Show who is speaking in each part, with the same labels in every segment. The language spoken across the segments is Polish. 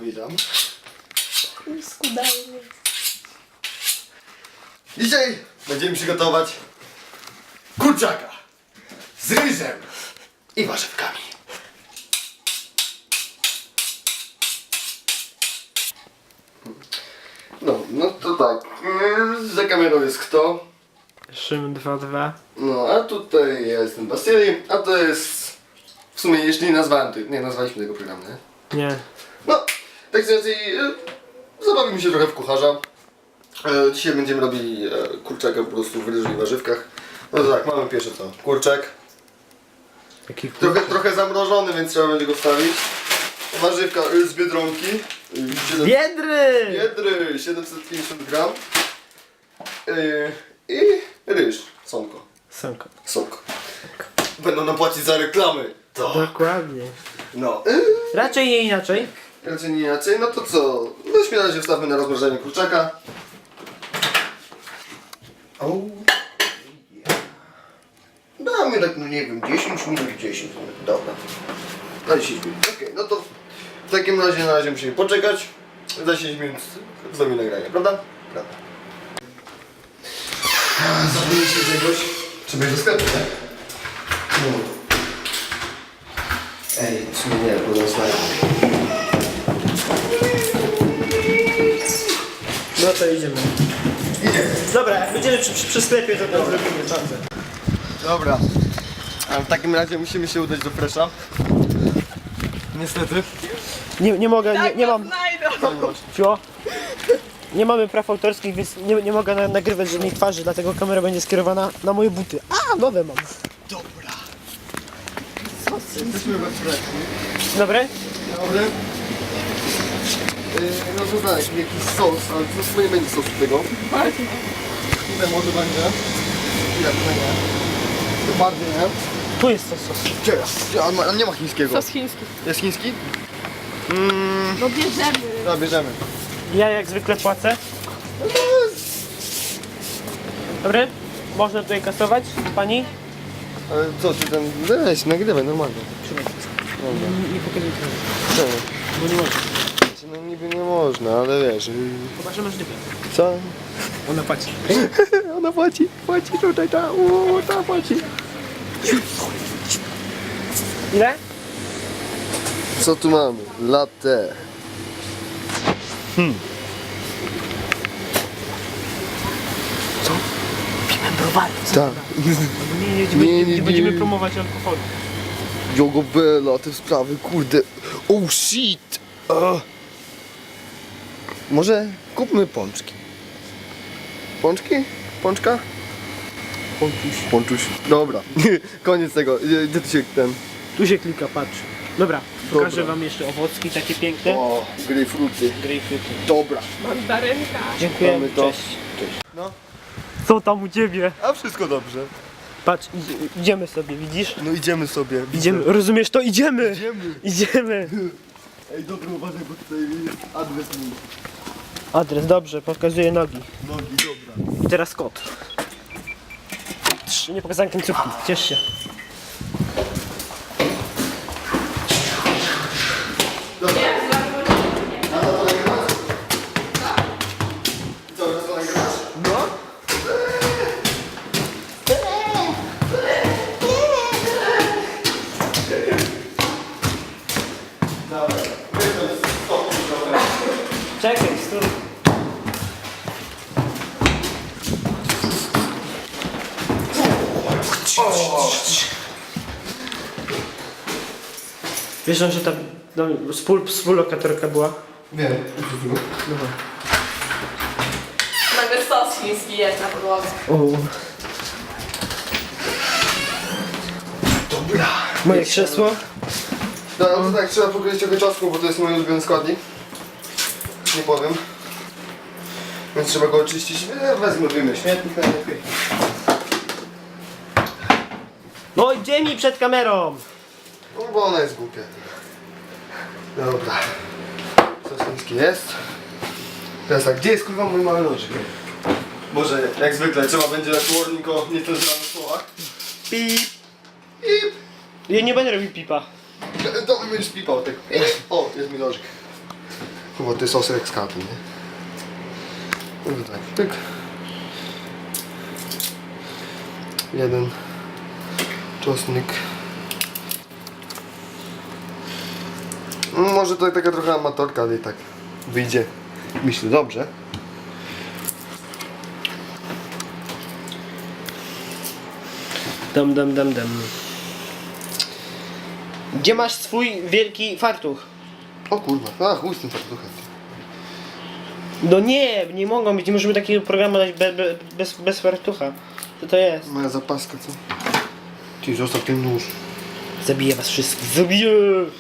Speaker 1: Witam.
Speaker 2: Skudajnie.
Speaker 1: Dzisiaj będziemy przygotować kurczaka z ryżem i warzywkami. No to tak, za kamerą jest kto?
Speaker 2: Szym 2-2.
Speaker 1: No a tutaj ja jestem Basili, a to jest w sumie jeszcze nie nazwaliśmy tego programu, nie?
Speaker 2: Nie.
Speaker 1: No, tak więcej zabawimy się trochę w kucharza. Dzisiaj będziemy robili kurczaka po prostu w ryżu i warzywkach. No to tak, mamy pierwsze co? Kurczak.
Speaker 2: Jaki
Speaker 1: Trochę zamrożony, więc trzeba będzie go wstawić. Warzywka z Biedronki.
Speaker 2: Biedry!
Speaker 1: Biedry 750 gram. I ryż. Sonko.
Speaker 2: Sanko.
Speaker 1: Sok. Będą nam płacić za reklamy. To.
Speaker 2: Dokładnie.
Speaker 1: No.
Speaker 2: Raczej nie inaczej.
Speaker 1: Raczej nie inaczej. No to co? Weźmy na razie wstawmy na rozmrożenie kurczaka. Oh. Damy tak, no nie wiem, 10 minut, 10 minut. Dobra. Na 10 minut. Okej, no to w takim razie na razie musimy poczekać. Za 10 minut wznowi nagranie, prawda? Prawda. Zapomnij się czegoś. Trzeba iść do sklepu, tak? No. Ej, w sumie nie, bo rozdaję.
Speaker 2: No to idziemy.
Speaker 1: Idziemy.
Speaker 2: Dobra, jak będziemy przy sklepie, to zrobimy czasem.
Speaker 1: Dobra. A w takim razie musimy się udać do Fresha. Niestety.
Speaker 2: Nie mogę, nie mam... Cio. Nie mamy praw autorskich, więc nie mogę nagrywać żadnej twarzy, dlatego kamera będzie skierowana na moje buty. A, nowe mam.
Speaker 1: Dobra. Jesteśmy we Freshu.
Speaker 2: Dobre?
Speaker 1: Dobry. No to tak, jakiś sos, ale to w sumie nie będzie sosu tego. Tutaj może będzie. Ja tutaj nie. To bardziej nie.
Speaker 2: Tu jest to sos.
Speaker 1: Gdzie? A nie ma chińskiego.
Speaker 3: Sos chiński.
Speaker 1: Jest chiński?
Speaker 3: No bierzemy.
Speaker 1: No bierzemy.
Speaker 2: Ja jak zwykle płacę. Dobry? Można tutaj kasować, pani?
Speaker 1: Ale co ty tam... Weź, nagrywaj normalnie. Dobra.
Speaker 2: Nie pokazuj tego,
Speaker 1: Czemu?
Speaker 2: bo nie można.
Speaker 1: No niby nie można, ale wiesz...
Speaker 2: Chyba, że masz dyplom.
Speaker 1: Co?
Speaker 2: Ona płaci.
Speaker 1: Ona płaci tutaj, ta płaci.
Speaker 2: Ile?
Speaker 1: Co tu mamy? Latte.
Speaker 2: Co? Piłem browary.
Speaker 1: Tak.
Speaker 2: Nie będziemy promować alkoholu.
Speaker 1: Jogobella, te sprawy, kurde. Oh shit. Może kupmy pączki. Pączki? Pączka? Pączuś. Dobra. Koniec tego. Gdzie tu się ten...
Speaker 2: Tu się klika, patrz. Dobra, pokażę
Speaker 1: Dobra.
Speaker 2: wam jeszcze owocki takie piękne.
Speaker 1: O, grejpfruty.
Speaker 2: Grejpfruty.
Speaker 1: Dobra.
Speaker 3: Mandarynka.
Speaker 2: Dziękuję.
Speaker 1: Mamy to.
Speaker 2: Cześć.
Speaker 1: No.
Speaker 2: Co tam u ciebie?
Speaker 1: A wszystko dobrze.
Speaker 2: Patrz, idziemy sobie, widzisz?
Speaker 1: No idziemy sobie.
Speaker 2: Idziemy, rozumiesz to? Idziemy!
Speaker 1: Idziemy.
Speaker 2: Idziemy!
Speaker 1: Ej, dobra, uważaj, bo tutaj jest adres mój.
Speaker 2: Adres, dobrze, pokazuję nogi.
Speaker 1: Nogi, dobra.
Speaker 2: I teraz kot. Nie pokazałem końcówki, ciesz się.
Speaker 1: Dobra. A to nagrywasz? I co, teraz to nagrywasz?
Speaker 2: No?
Speaker 1: Dobra.
Speaker 2: Czekaj, stój. Wiesz, że tam współlokatorka była?
Speaker 1: Wiem.
Speaker 3: Nawet sos chiński jest na podłodze.
Speaker 1: Dobra.
Speaker 2: Moje krzesło.
Speaker 1: No to tak, trzeba pokryć trochę czosnku, bo to jest mój ulubiony składnik. Nie powiem. Więc trzeba go oczyścić. Wezmę, wyjmę śmietnik najlepiej.
Speaker 2: No idzie mi przed kamerą!
Speaker 1: No bo ona jest głupia. Dobra. Sos chiński jest. Teraz tak, gdzie jest kurwa mój mały nożyk? Może jak zwykle trzeba będzie jak warning o niecenzurowanych słowach.
Speaker 2: Pip!
Speaker 1: Pip!
Speaker 2: Ja nie będę robił pipa.
Speaker 1: To będziesz pipał tak. O, jest mi nożyk. Bo to jest osek z katy, nie? No tutaj, pyk. Jeden czosnek. Może to taka trochę amatorka, ale i tak wyjdzie, myślę, dobrze.
Speaker 2: Dam. Gdzie masz swój wielki fartuch?
Speaker 1: O kurwa, chuj z tym fartuchem.
Speaker 2: No nie mogą być, nie możemy takiego programu dać bez fartucha. Co to jest?
Speaker 1: Moja zapaska, co? Ty, zostaw ten nóż.
Speaker 2: Zabiję was wszystkich, zabiję!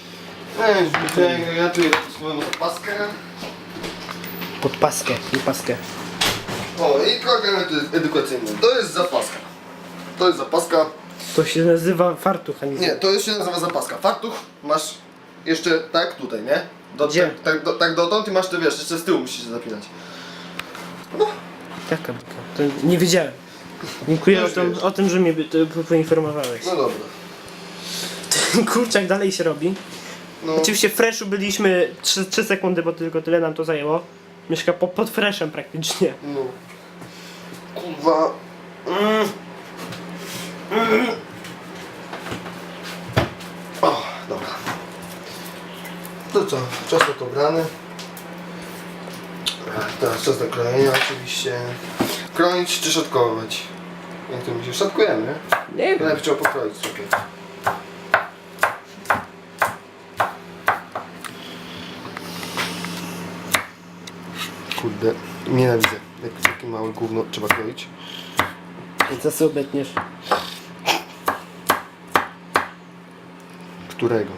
Speaker 1: Ja tu swoją zapaskę.
Speaker 2: Pod paskę, nie paskę.
Speaker 1: O, i program edukacyjny. To jest zapaska. To jest zapaska.
Speaker 2: To się nazywa fartuch, a nie...
Speaker 1: Nie, to już się nazywa zapaska. Fartuch masz jeszcze tak tutaj, nie?
Speaker 2: Gdzie?
Speaker 1: Tak dotąd i masz to, wiesz, jeszcze z tyłu musisz się zapinać.
Speaker 2: Jaka byka? To nie wiedziałem. Dziękuję
Speaker 1: Już wiesz.
Speaker 2: o tym, że mnie poinformowałeś.
Speaker 1: No dobra.
Speaker 2: Kurczak dalej się robi.
Speaker 1: No,
Speaker 2: Oczywiście w freshu byliśmy 3 sekundy, bo tylko tyle nam to zajęło. Mieszka pod freshem praktycznie.
Speaker 1: no. Kurwa. O, dobra. To co? Czosnek obrany. Teraz czas do krojenia oczywiście. Kroić czy szatkować? Jak to mi się szatkujemy, nie?
Speaker 2: Nie wiem.
Speaker 1: Najpierw trzeba pokroić sobie. Kurde, nienawidzę. Jak takie małe gówno trzeba kroić.
Speaker 2: Co sobie obetniesz?
Speaker 1: Którego?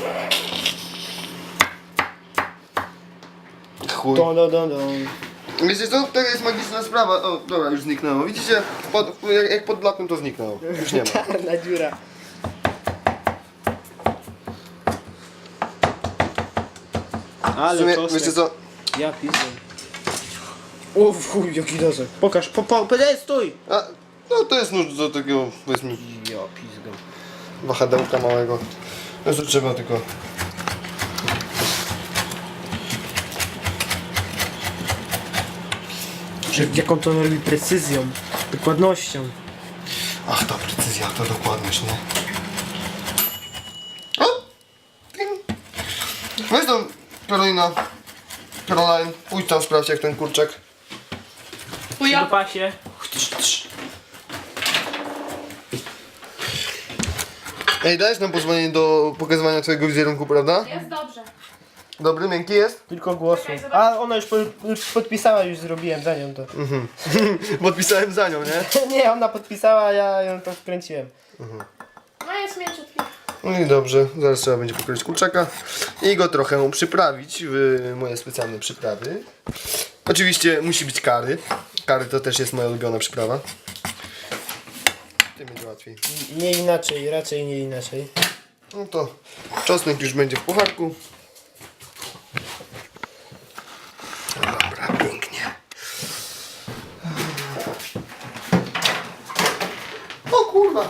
Speaker 1: Chuj. Wiecie co? To jest magiczna sprawa. O, dobra, już zniknęło. Widzicie? Jak pod blatem to zniknęło. Już nie ma.
Speaker 2: Czarna dziura.
Speaker 1: W
Speaker 2: Ale
Speaker 1: sumie,
Speaker 2: czosnek.
Speaker 1: wiecie co?
Speaker 2: Ja pizdę. O chuj, jaki dozek. Pokaż, stój!
Speaker 1: A, no to jest nóż do takiego, powiedzmy,
Speaker 2: Ja pizdę.
Speaker 1: wahadełka małego. No to trzeba tylko...
Speaker 2: Jaką to robi precyzją, dokładnością.
Speaker 1: Ach, ta precyzja, ta dokładność, nie? O! Ting. Weź tam, Caroline, pójdź tam sprawdź jak ten kurczak.
Speaker 2: Do pasie.
Speaker 1: Ej, dajesz nam pozwolenie do pokazywania twojego wizerunku, prawda?
Speaker 3: Jest dobrze.
Speaker 1: Dobry, miękki jest?
Speaker 2: Tylko głosu. A ona już podpisała, już zrobiłem za nią to.
Speaker 1: Podpisałem za nią, nie?
Speaker 2: Nie, ona podpisała, a ja ją to wkręciłem.
Speaker 3: No jest mięciutki.
Speaker 1: No i dobrze, zaraz trzeba będzie pokroić kurczaka i go trochę przyprawić w moje specjalne przyprawy. Oczywiście musi być curry. Curry to też jest moja ulubiona przyprawa. Tym będzie łatwiej.
Speaker 2: Nie inaczej, raczej nie inaczej.
Speaker 1: No to czosnek już będzie w pucharku. Dobra, pięknie. O kurwa!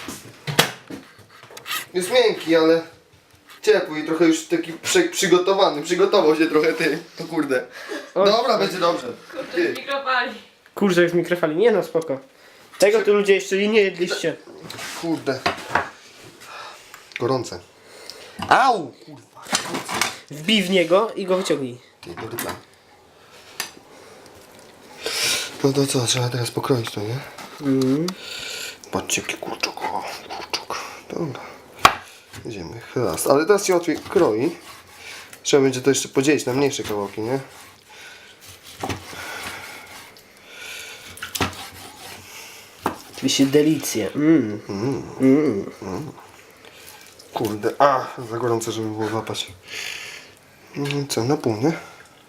Speaker 1: Jest miękki, ale ciepły i trochę już taki przygotowany. Przygotował się trochę ty. O kurde. Dobra, będzie dobrze. Ty.
Speaker 3: Mikrofali.
Speaker 2: Kurczak z mikrofali, nie no spoko. Tego tu ludzie jeszcze nie jedliście.
Speaker 1: Kurde. Gorące. Au! Kurwa.
Speaker 2: Wbij w niego i go wyciągnij.
Speaker 1: Ty, dobry plan. No to co, trzeba teraz pokroić to, nie? Patrzcie jaki kurczak. O, kurczak. Dobra. Idziemy. Raz. Ale teraz się łatwiej kroi. Trzeba będzie to jeszcze podzielić na mniejsze kawałki, nie?
Speaker 2: Oczywiście delicje.
Speaker 1: Kurde. A, za gorące, żeby było łapać. Co, na pół, nie?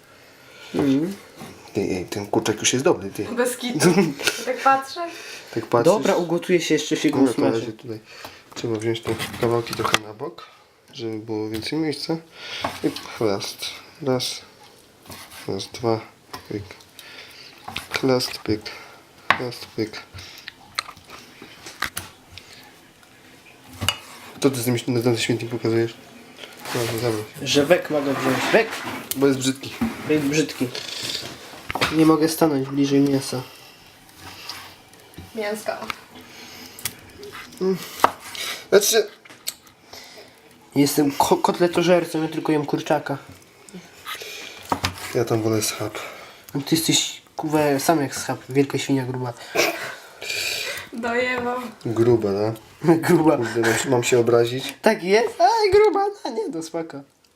Speaker 1: Ej, ten kurczak już jest dobry, ty.
Speaker 3: Bez kitu. Tak patrzę.
Speaker 1: Tak patrzysz.
Speaker 2: Dobra, ugotuje się jeszcze się
Speaker 1: No,
Speaker 2: go
Speaker 1: na
Speaker 2: smaży.
Speaker 1: razie tutaj trzeba wziąć te kawałki trochę na bok, żeby było więcej miejsca. I chlast. Raz, dwa, pyk. Chlast, pyk. Chlast, pyk. Co ty z tym na ten śmietnik pokazujesz? No, zamień.
Speaker 2: Że wek ma go wziąć. Wek!
Speaker 1: Bo jest brzydki.
Speaker 2: Wek brzydki. Nie mogę stanąć bliżej mięsa.
Speaker 3: Mięska.
Speaker 1: Znaczy,
Speaker 2: Jestem kotletożercą, ja tylko jem kurczaka.
Speaker 1: ja tam wolę schab.
Speaker 2: No ty jesteś, kurwa, sam jak schab. Wielka świnia gruba.
Speaker 3: Dojewam.
Speaker 1: Grube, no.
Speaker 2: Gruba.
Speaker 1: Kurde, mam się obrazić.
Speaker 2: Tak jest? Aj, gruba, no nie, no spoko.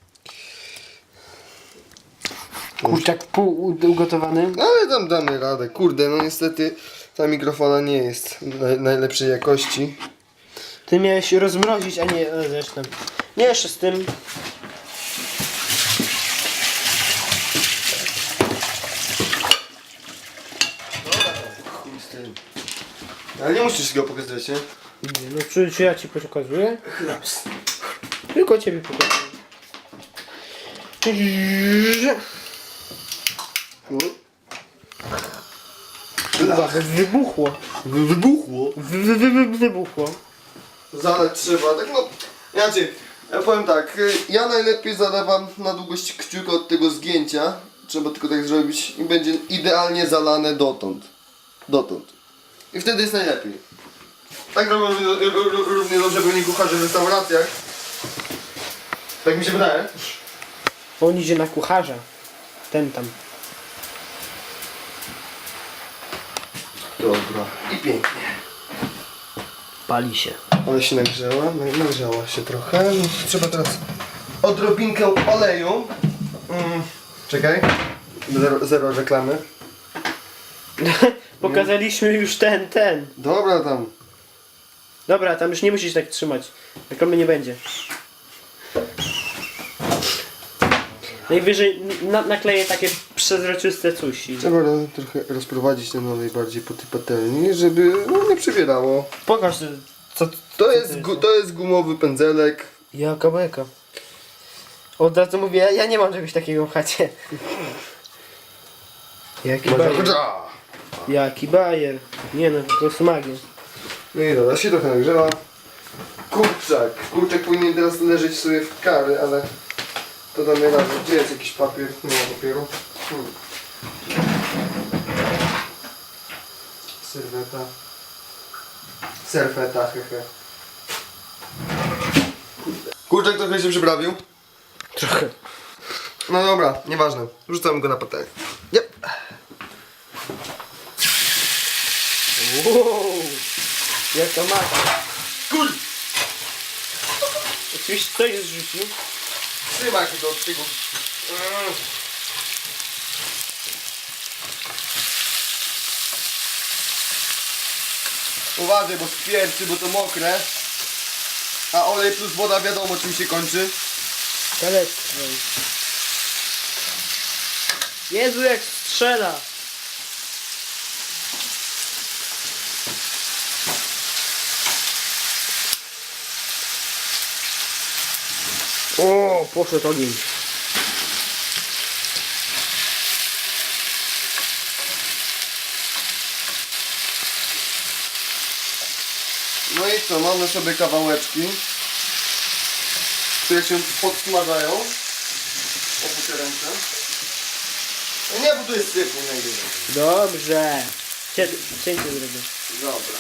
Speaker 2: Kurczak pół ugotowany.
Speaker 1: No ale tam damy radę. Kurde, no niestety ta mikrofona nie jest najlepszej jakości.
Speaker 2: Ty miałeś rozmrozić, a nie zresztą. Nie jeszcze z tym.
Speaker 1: Chuj z tym. Ale nie musisz go pokazywać, nie?
Speaker 2: Nie, no czy ja ci pokazuję?
Speaker 1: Chlaps.
Speaker 2: Tylko ciebie pokazuję. Kurwa, wybuchło.
Speaker 1: Wybuchło.
Speaker 2: Wybuchło.
Speaker 1: Zalać trzeba, tak no. Inaczej, ja powiem tak, ja najlepiej zalewam na długość kciuka od tego zgięcia. Trzeba tylko tak zrobić i będzie idealnie zalane dotąd. Dotąd. I wtedy jest najlepiej. Tak robią równie dobrze pewnie kucharze w restauracjach. Tak mi się wydaje.
Speaker 2: On idzie na kucharza. Ten tam.
Speaker 1: Dobra. I pięknie.
Speaker 2: Pali się.
Speaker 1: Ale się nagrzała, nagrzała się trochę. Trzeba teraz odrobinkę oleju. Czekaj. Zero reklamy.
Speaker 2: Pokazaliśmy już ten.
Speaker 1: Dobra tam.
Speaker 2: Dobra, tam już nie musisz tak trzymać. Reklamy nie będzie. Najwyżej nakleję takie przezroczyste coś. i-
Speaker 1: Trzeba trochę rozprowadzić ten olej bardziej po tej patelni, żeby no, nie przybierało.
Speaker 2: Pokaż co
Speaker 1: To jest gumowy pędzelek.
Speaker 2: Jaka beka. Od razu mówię, ja nie mam czegoś takiego w chacie. Jaki bajer. Jaki bajer. Nie no, po prostu magia.
Speaker 1: No i dobra, się trochę nagrzewa. Kurczak. Kurczak powinien teraz leżeć sobie w kary, ale to damy radę. Gdzie jest jakiś papier? Nie ma papieru. Serweta. Serweta, hehe. Kurczak trochę się przyprawił.
Speaker 2: Trochę.
Speaker 1: No dobra, nieważne. Rzucamy go na patelnię. Yep.
Speaker 2: Wow. Jaka mata.
Speaker 1: Kur...
Speaker 2: Oczywiście coś zrzucił.
Speaker 1: Trzymaj się do tego. Uważaj, bo spierczy, bo to mokre. A olej plus woda wiadomo czym się kończy.
Speaker 2: Kalectwo. Jezu jak strzela. O, poszedł ogień.
Speaker 1: No i co, mamy sobie kawałeczki, które się podsmażają. Obu te ręce. No nie, bo tu jest syf, nie najwyżej.
Speaker 2: Dobrze. Cięcie zrobię.
Speaker 1: Dobra.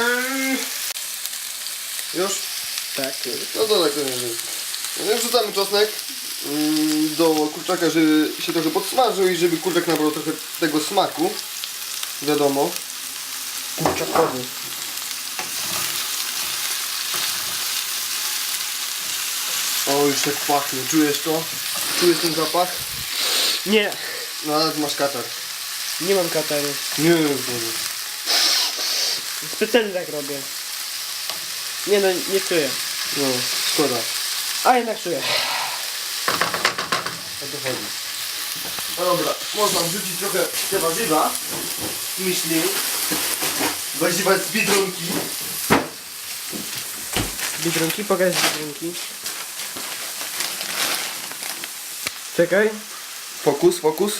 Speaker 1: Już?
Speaker 2: Tak.
Speaker 1: No to tak to nie jest. No, wrzucamy czosnek do kurczaka, żeby się trochę podsmażył i żeby kurczak nabrał trochę tego smaku. Wiadomo.
Speaker 2: Kurczakowy.
Speaker 1: O, już tak pachnie. Czujesz to? Czujesz ten zapach?
Speaker 2: Nie.
Speaker 1: No ale ty masz katar.
Speaker 2: Nie mam kataru.
Speaker 1: Nie, nie.
Speaker 2: Specjalnie tak robię. Nie no, nie czuję.
Speaker 1: No, szkoda.
Speaker 2: A jednak czuję.
Speaker 1: O to chodzi. No dobra, można wrzucić trochę te warzywa. Myśli. Warzywa z Biedronki.
Speaker 2: Biedronki, pokaż biedronki. Czekaj.
Speaker 1: Fokus, fokus.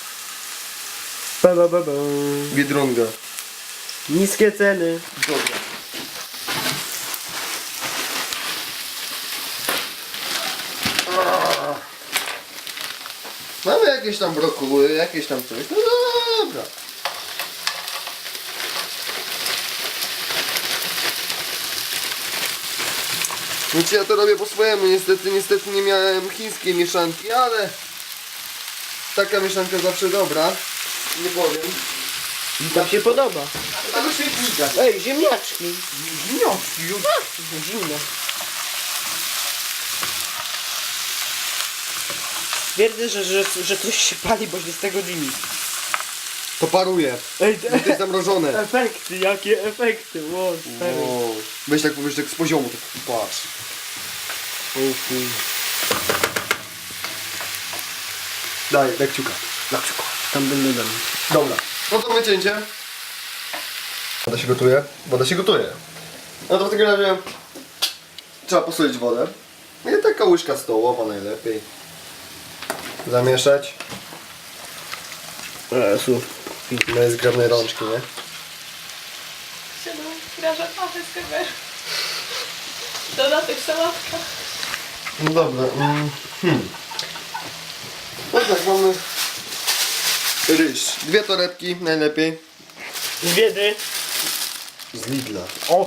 Speaker 2: Ba.
Speaker 1: Biedronka.
Speaker 2: Niskie ceny.
Speaker 1: Dobra. No jakieś tam brokuły, jakieś tam coś. No dobra. Więc ja to robię po swojemu. Niestety nie miałem chińskiej mieszanki, ale taka mieszanka zawsze dobra. Nie powiem.
Speaker 2: Mi tam się podoba.
Speaker 1: Tego się nie widać.
Speaker 2: Ej, ziemniaczki.
Speaker 1: Gnioski już.
Speaker 2: Zimno. Twierdzę, że coś się pali, bo się z tego dymi.
Speaker 1: To paruje.
Speaker 2: Ej,
Speaker 1: To jest zamrożone.
Speaker 2: efekty, jakie efekty, ło, stary.
Speaker 1: O, weź tak z poziomu, tak patrz. Daj kciuka. Daj kciuka.
Speaker 2: Tam będę dam.
Speaker 1: Dobra. No to wycięcie. Woda się gotuje? Woda się gotuje. No to w takim razie trzeba posolić wodę. I taka łyżka stołowa najlepiej. Zamieszać.
Speaker 2: Jezu.
Speaker 1: No jest zgrabnej rączki, nie?
Speaker 3: Graża pachę z kamery. Dodatek sałatka.
Speaker 1: No dobra. No tak, mamy ryż. 2 torebki najlepiej.
Speaker 2: Z biedy.
Speaker 1: Z Lidla.
Speaker 3: O,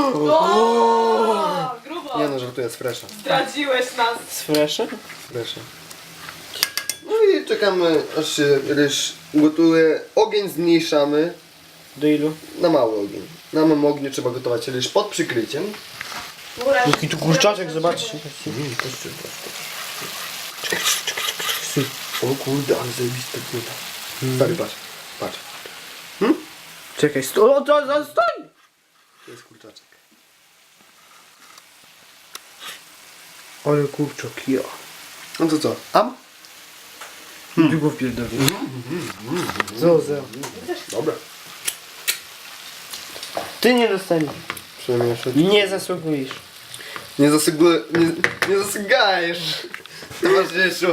Speaker 3: grubo.
Speaker 1: Nie no, żartuję, z Fresha.
Speaker 3: Zdradziłeś nas.
Speaker 2: Z freshem?
Speaker 1: Fresha. No i czekamy, aż się ryż gotuje. Ogień zmniejszamy
Speaker 2: Do ilu?
Speaker 1: na mały ogień. Na małym ogniu trzeba gotować ryż pod przykryciem.
Speaker 2: Jaki tu kurczaczek, zobaczcie.
Speaker 1: O kurde, ale zajebista płyta. Stary, patrz, patrz.
Speaker 2: Czekaj, stoi!
Speaker 1: To jest kurczaczek.
Speaker 2: Ale kurczak, ja.
Speaker 1: No to co? Am?
Speaker 2: Długo wpierdolę. Zoza.
Speaker 1: Dobra.
Speaker 2: Ty nie dostaniesz.
Speaker 1: Przemieszać.
Speaker 2: Nie zasługujesz.
Speaker 1: Nie zasygajesz. Towarzyszu.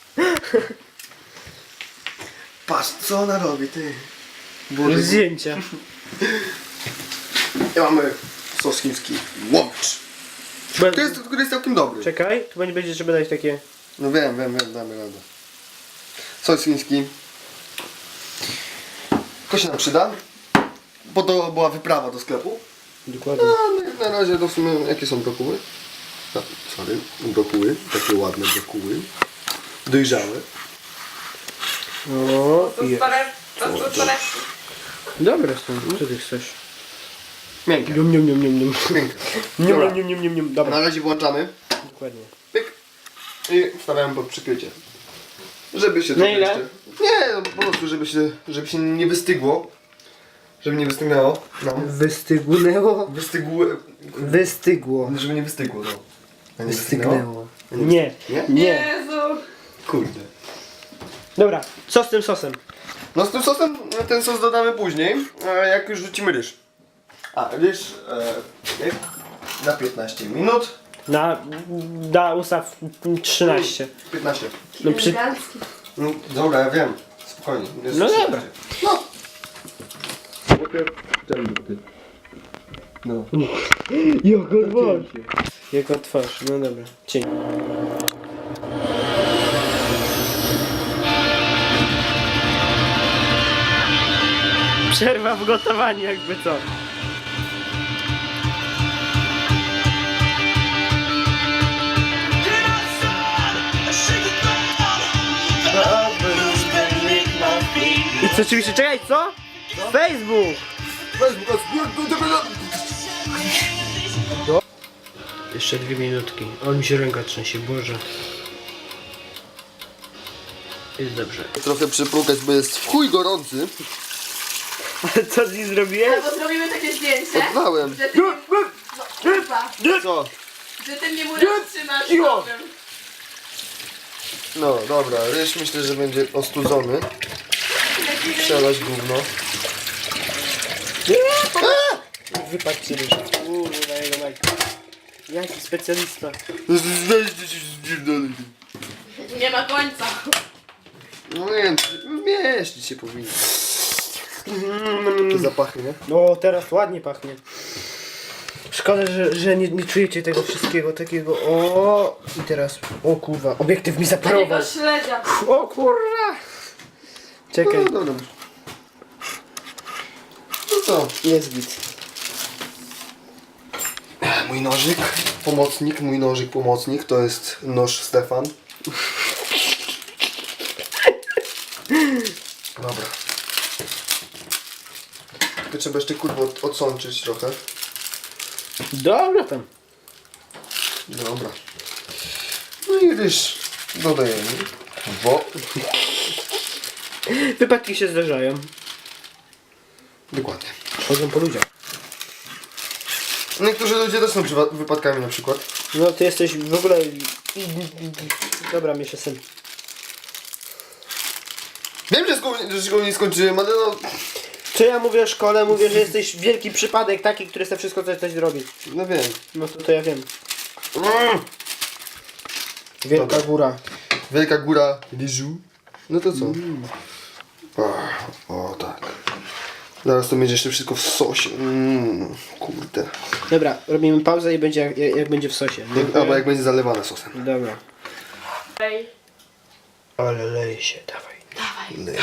Speaker 1: Patrz, co ona robi, ty. Boże.
Speaker 2: Zdjęcia.
Speaker 1: I mamy sos chiński. Łomcz. Który jest całkiem dobry.
Speaker 2: Czekaj, tu będzie, żeby dać takie...
Speaker 1: No wiem, damy radę. Sos chiński. To się nam przyda. Bo to była wyprawa do sklepu.
Speaker 2: Dokładnie.
Speaker 1: No, na razie to w sumie, jakie są brokuły? No, sorry, brokuły. Takie ładne brokuły. Dojrzałe.
Speaker 2: O,
Speaker 3: To
Speaker 2: i...
Speaker 3: stare, to stare.
Speaker 2: Dobre są, co ty chcesz?
Speaker 1: Miękkie.
Speaker 2: Nium, nium, nium, nium, nium.
Speaker 1: Miękkie.
Speaker 2: Nium,
Speaker 1: Dobra.
Speaker 2: nium, nium, nium, nium.
Speaker 1: Na
Speaker 2: Dobra,
Speaker 1: razie włączamy.
Speaker 2: dokładnie.
Speaker 1: Pyk. I wstawiamy pod przykrycie. Żeby się
Speaker 2: Na
Speaker 1: to
Speaker 2: ile?
Speaker 1: jeszcze... Nie, no, po prostu żeby się nie wystygło. Żeby nie wystygnęło nam.
Speaker 2: Wystygnęło?
Speaker 1: Wystygło.
Speaker 2: Wystygło.
Speaker 1: Żeby nie wystygło, no. A nie
Speaker 2: Wystygnęło. Nie.
Speaker 1: Nie?
Speaker 2: Nie.
Speaker 3: Jezu.
Speaker 1: Kurde.
Speaker 2: Dobra, co z tym sosem?
Speaker 1: No z tym sosem, ten sos dodamy później, jak już rzucimy ryż. A, ryż na 15 minut.
Speaker 2: Da ustaw 13.
Speaker 1: 15.
Speaker 2: No przy...
Speaker 3: Elegancki.
Speaker 1: No, dobra, ja wiem. Spokojnie. Jest
Speaker 2: No
Speaker 1: 13.
Speaker 2: dobra.
Speaker 1: No. No.
Speaker 2: Jaka twarz. Jaka twarz, no dobra. Cień. Przerwa w gotowaniu jakby co. I co oczywiście, czekaj, co? Facebook! Jeszcze 2 minutki. On mi się ręka trzęsie, Boże. Jest dobrze.
Speaker 1: Trochę przypłukać, bo jest w chuj gorący.
Speaker 2: Ale co z nim zrobiłeś?
Speaker 3: Albo zrobimy takie zdjęcie,
Speaker 1: Odwałem.
Speaker 3: że ty mnie... No kurwa,
Speaker 1: Co?
Speaker 3: że ty mnie murem trzymasz
Speaker 2: Cicho.
Speaker 3: nowym.
Speaker 1: No dobra, ryż myślę, że będzie ostudzony. Przelać gówno.
Speaker 2: Wypadł ryż. Na jego majkę. Jaki specjalista.
Speaker 3: Nie ma końca.
Speaker 1: No nie, mieścić się powinno. Te zapachy, nie?
Speaker 2: No teraz ładnie pachnie. Szkoda, że nie czujecie tego wszystkiego takiego. O i teraz. O kurwa, obiektyw mi zaparował.
Speaker 3: Takiego śledzia.
Speaker 2: O kurwa. Czekaj,
Speaker 1: No dobra. No co?
Speaker 2: jest git.
Speaker 1: Mój nożyk, pomocnik to jest nóż Stefan. Dobra. To trzeba jeszcze kurwa odsączyć trochę.
Speaker 2: Dobra tam.
Speaker 1: Dobra. No i ryż dodajemy.
Speaker 2: Wypadki się zdarzają.
Speaker 1: Dokładnie.
Speaker 2: Chodzą po ludziach.
Speaker 1: Niektórzy ludzie też są wypadkami na przykład.
Speaker 2: No ty jesteś w ogóle... Dobra, miesza syn.
Speaker 1: Wiem, że szkoły nie skończyłem, ale no...
Speaker 2: Co ja mówię o szkole? Mówię, że jesteś wielki przypadek taki, który chce wszystko coś zrobić.
Speaker 1: No wiem.
Speaker 2: No to ja wiem. Wielka
Speaker 1: Dobra.
Speaker 2: góra.
Speaker 1: Wielka góra ryżu. No to co? O tak. Zaraz to będzie jeszcze wszystko w sosie. Kurde.
Speaker 2: Dobra, robimy pauzę i będzie jak będzie w sosie.
Speaker 1: Albo jak będzie zalewane sosem.
Speaker 2: Dobra.
Speaker 3: Ej.
Speaker 2: Ale leje się, dawaj.
Speaker 1: Lej.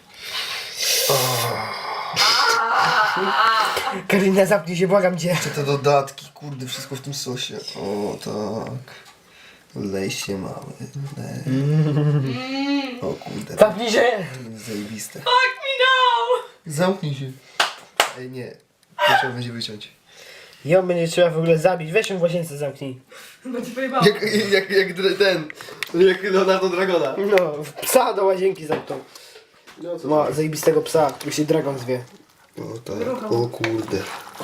Speaker 2: Karolina, zamknij się, błagam cię.
Speaker 1: Te dodatki, kurde, wszystko w tym sosie. O tak. Lej się mały. Lej. O kurde.
Speaker 2: Zamknij się!
Speaker 1: Zajebiste.
Speaker 3: Fuck me no!
Speaker 1: Zamknij się. Ej nie. To trzeba będzie wyciąć.
Speaker 2: Ją będzie trzeba w ogóle zabić. Weź ją w łazience zamknij.
Speaker 3: No ci pojebało.
Speaker 1: Jak Leonardo Dragona.
Speaker 2: No, psa do łazienki zamknął.
Speaker 1: No co?
Speaker 2: Ma zajebistego psa, który się Dragon zwie.
Speaker 1: O tak. O kurde.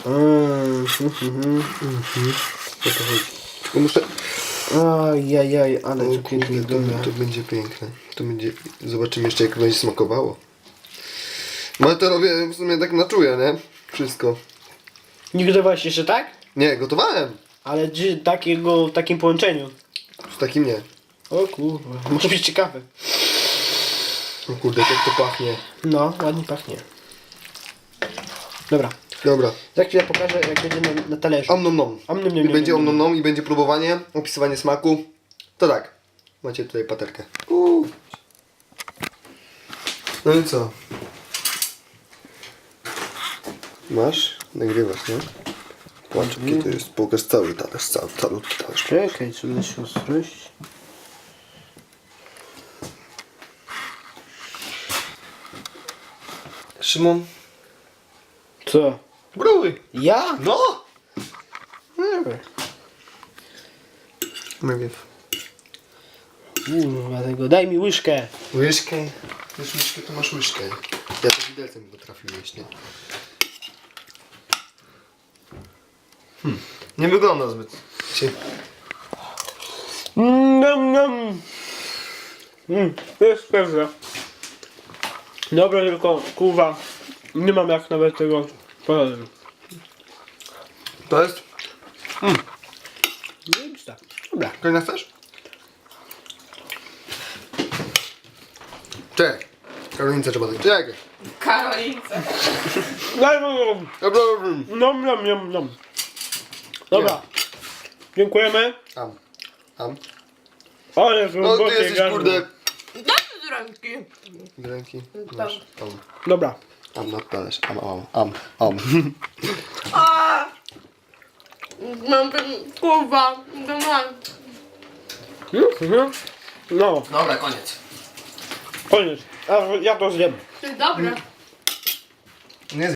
Speaker 1: Co to chodzi? Tylko muszę...
Speaker 2: Ajajaj, ale
Speaker 1: O
Speaker 2: to pięknie
Speaker 1: kurde,
Speaker 2: wygląda.
Speaker 1: to będzie piękne. To będzie... Zobaczymy jeszcze jak będzie smakowało. No ale to robię w sumie tak na czuja, nie? Wszystko.
Speaker 2: Nie gotowałeś jeszcze tak?
Speaker 1: Nie, gotowałem.
Speaker 2: Ale czy w takim połączeniu?
Speaker 1: W takim nie.
Speaker 2: O kurwa, może być ciekawe.
Speaker 1: O kurde, jak to pachnie.
Speaker 2: No, ładnie pachnie. Dobra,
Speaker 1: Dobra.
Speaker 2: za chwilę pokażę jak będzie na talerzu.
Speaker 1: Om nom nom.
Speaker 2: Om nom nom
Speaker 1: I
Speaker 2: nom
Speaker 1: będzie
Speaker 2: nom
Speaker 1: om nom
Speaker 2: nom.
Speaker 1: nom i będzie próbowanie, opisywanie smaku. To tak. Macie tutaj paterkę. No i co? Masz? Nagrywasz, nie? Patrz, jaki to jest. Pokaż cały talerz, calutki talerz.
Speaker 2: Czekaj, trzeba się ostrość.
Speaker 1: Szymon?
Speaker 2: Co?
Speaker 1: Próbuj.
Speaker 2: Ja?
Speaker 1: No!
Speaker 2: Dobra.
Speaker 1: Najpierw.
Speaker 2: Kurwa tego, daj mi łyżkę.
Speaker 1: Łyżkę. Wiesz łyżkę, to masz łyżkę. Ja to widelcem potrafię jeść, nie? Nie wygląda zbyt.
Speaker 2: Nom nom. To jest pewne. Dobra, tylko kurwa, nie mam jak nawet tego powiedzieć.
Speaker 1: To jest?
Speaker 2: Zajebista. Dobra.
Speaker 1: Kolejna chcesz? Czekaj. Karolince trzeba dać. Czekaj.
Speaker 3: Karolince.
Speaker 2: Daj nom
Speaker 1: Dobra.
Speaker 2: nom nom nom. Dobra. Dziękujemy.
Speaker 1: Am.
Speaker 2: Ale
Speaker 1: No ty
Speaker 2: głębokie
Speaker 1: jesteś
Speaker 2: gardło.
Speaker 1: kurde.
Speaker 3: Daj mi z ręki.
Speaker 1: Ręki. Masz.
Speaker 2: Dobra.
Speaker 1: Na talerz. Am.
Speaker 3: A! Mam ten kurwa. To mam.
Speaker 2: No,
Speaker 1: Dobra, koniec.
Speaker 2: koniec. Ja to zjem.
Speaker 3: Dobra.
Speaker 1: Nie